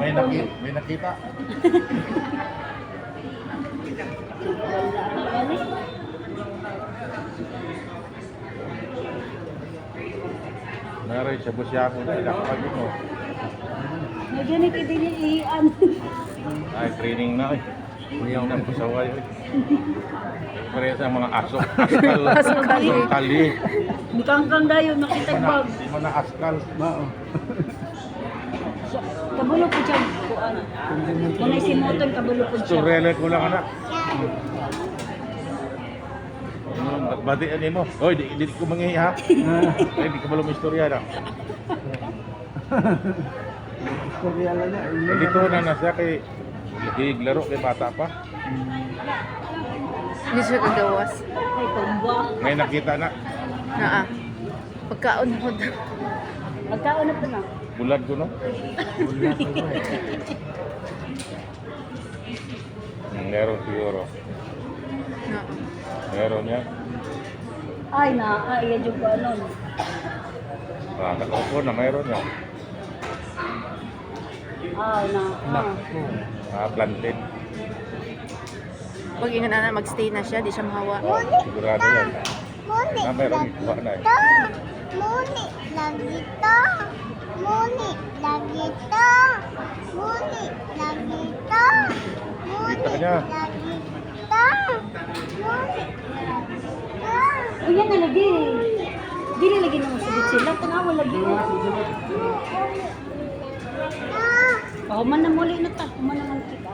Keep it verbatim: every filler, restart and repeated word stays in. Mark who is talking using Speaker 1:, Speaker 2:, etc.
Speaker 1: May, naki, may nakita. Meron siya busya ko na. Ilakapagin mo.
Speaker 2: May ganit idiliian.
Speaker 1: Ay, training na eh. Yung nang pasaway eh. Pareha sa mga aso. Askal.
Speaker 2: Askal.
Speaker 1: Kali.
Speaker 2: Bikangkang dayo, nakitagbag.
Speaker 1: Di mo na askal.
Speaker 3: Mao.
Speaker 2: Kabulo po siya. Kuan. Kung isimuton, kabulo po siya.
Speaker 1: Surele ko lang anak. Ano, batian mo. Oy, di, di ko mangihi ha. Ay, di ko malong istorya na.
Speaker 3: Istorya lang na.
Speaker 1: Eh, dito na na siya kay naglaro kay bata pa.
Speaker 4: Hindi siya kagawas.
Speaker 2: Ay, tumba.
Speaker 1: May nakita na.
Speaker 4: Naa. Pagkaon ko daw.
Speaker 2: Magkaon na po na.
Speaker 1: Bulad ko no. Hmm, meron siguro.
Speaker 4: Naa.
Speaker 1: Meron yan.
Speaker 2: Ay, na. Ay, yan yung ano.
Speaker 1: Ah, nakaupo na meron yan.
Speaker 2: Ay, na. Ah.
Speaker 1: Ah, plantain.
Speaker 4: Pag ina na magstay na siya, di siya mahawa.
Speaker 1: Sigurado yan. Ah, meron ikuha na eh.
Speaker 5: Muni lagi to. Muni lagi to. Muni lagi to. Muni
Speaker 1: Kita niya.
Speaker 5: lagi to. Muni
Speaker 2: Ay, yan na lagi. Dili lagi na masugod sila. Tanawa lagi. Oh, man na muli na ta. Man na man kita.